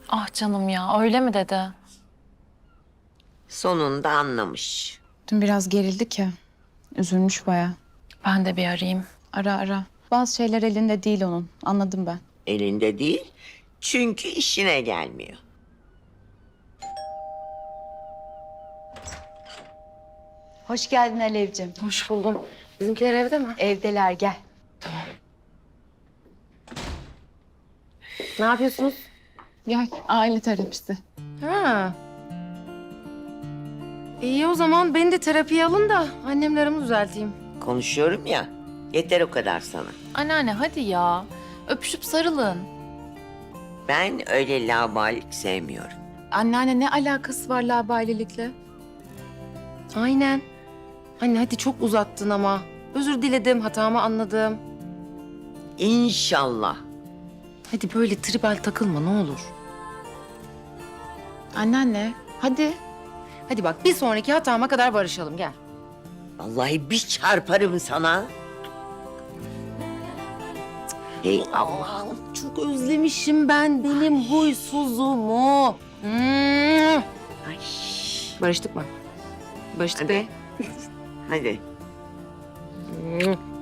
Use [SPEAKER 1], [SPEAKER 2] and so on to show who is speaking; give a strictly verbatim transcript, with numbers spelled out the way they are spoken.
[SPEAKER 1] Ah canım ya, öyle mi dedi?
[SPEAKER 2] Sonunda anlamış.
[SPEAKER 3] Dün biraz gerildik ya. Üzülmüş bayağı.
[SPEAKER 1] Ben de bir arayayım.
[SPEAKER 3] Ara ara. Bazı şeyler elinde değil onun. Anladım ben.
[SPEAKER 2] Elinde değil çünkü işine gelmiyor.
[SPEAKER 4] Hoş geldin Alevciğim.
[SPEAKER 1] Hoş buldum. Bizimkiler evde mi?
[SPEAKER 4] Evdeler, gel.
[SPEAKER 1] Ne yapıyorsunuz?
[SPEAKER 3] Gel aile terapisi.
[SPEAKER 5] Ha. İyi o zaman beni de terapiye alın da annemle aramı düzelteyim.
[SPEAKER 2] Konuşuyorum ya. Yeter o kadar sana.
[SPEAKER 1] Anneanne hadi ya. Öpüşüp sarılın.
[SPEAKER 2] Ben öyle laubalilik sevmiyorum.
[SPEAKER 3] Anneanne ne alakası var labailelikle?
[SPEAKER 5] Aynen. Anne hadi çok uzattın ama. Özür diledim, hatamı anladım.
[SPEAKER 2] İnşallah.
[SPEAKER 5] Hadi böyle tribal takılma ne olur.
[SPEAKER 3] Anneanne hadi.
[SPEAKER 5] Hadi bak bir sonraki hatama kadar barışalım gel.
[SPEAKER 2] Vallahi bir çarparım sana. Hey Allah'ım.
[SPEAKER 5] Çok özlemişim ben benim huysuzumu. Hmm.
[SPEAKER 2] Ay.
[SPEAKER 5] Barıştık mı? Barıştık
[SPEAKER 2] Hadi.
[SPEAKER 5] be.
[SPEAKER 2] Hadi.
[SPEAKER 5] Hmm.